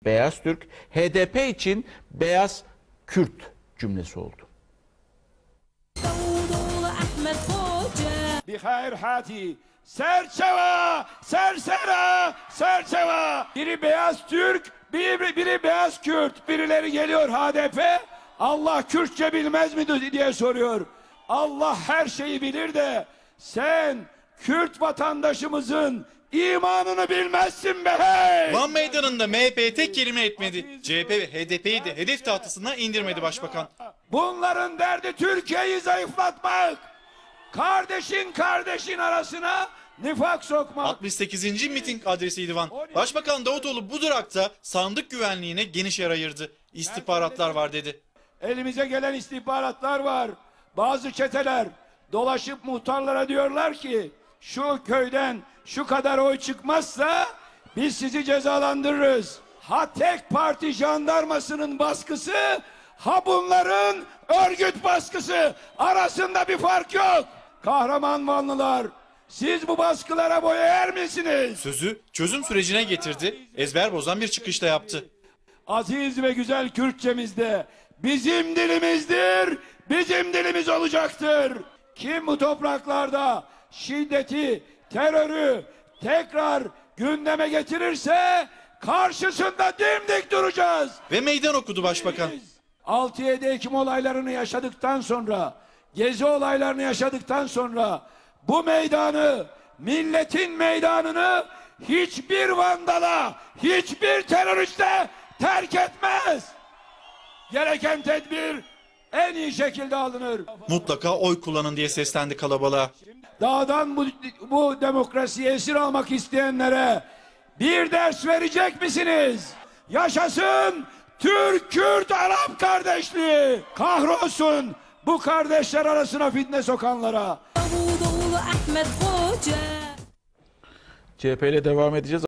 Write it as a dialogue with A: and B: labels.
A: beyaz Türk, HDP için beyaz Kürt cümlesi oldu.
B: Bihayr hati, serçeva, sersera, serçeva. Biri beyaz Türk, biri beyaz Kürt. Birileri geliyor HDP, Allah Kürtçe bilmez mi diye soruyor. Allah her şeyi bilir de sen Kürt vatandaşımızın imanını bilmezsin be hey!
C: Van Meydanı'nda MHP tek kelime etmedi. CHP ve HDP'yi de hedef tahtasına indirmedi başbakan.
B: Bunların derdi Türkiye'yi zayıflatmak. Kardeşin arasına nifak sokmak.
C: 68. miting adresiydi Van. Başbakan Davutoğlu bu durakta sandık güvenliğine geniş yer ayırdı. İstihbaratlar var dedi.
B: Elimize gelen istihbaratlar var. Bazı çeteler dolaşıp muhtarlara diyorlar ki şu köyden şu kadar oy çıkmazsa biz sizi cezalandırırız. Ha tek parti jandarmasının baskısı, ha bunların örgüt baskısı, arasında bir fark yok. Kahraman Vanlılar, siz bu baskılara boya er misiniz?
C: Sözü çözüm sürecine getirdi, ezber bozan bir çıkışla yaptı.
B: Aziz ve güzel Kürtçemizde bizim dilimizdir, bizim dilimiz olacaktır. Kim bu topraklarda şiddeti, terörü tekrar gündeme getirirse karşısında dimdik duracağız.
C: Ve meydan okudu başbakan.
B: 6-7 Ekim olaylarını yaşadıktan sonra, Gezi olaylarını yaşadıktan sonra bu meydanı, milletin meydanını hiçbir vandala, hiçbir teröriste terk etmez. Gereken tedbir en iyi şekilde alınır.
C: Mutlaka oy kullanın diye seslendi kalabalığa.
B: Dağdan bu demokrasiyi esir almak isteyenlere bir ders verecek misiniz? Yaşasın Türk, Kürt, Arap kardeşliği. Kahrolsun bu kardeşler arasına fitne sokanlara.
A: CHP ile devam edeceğiz.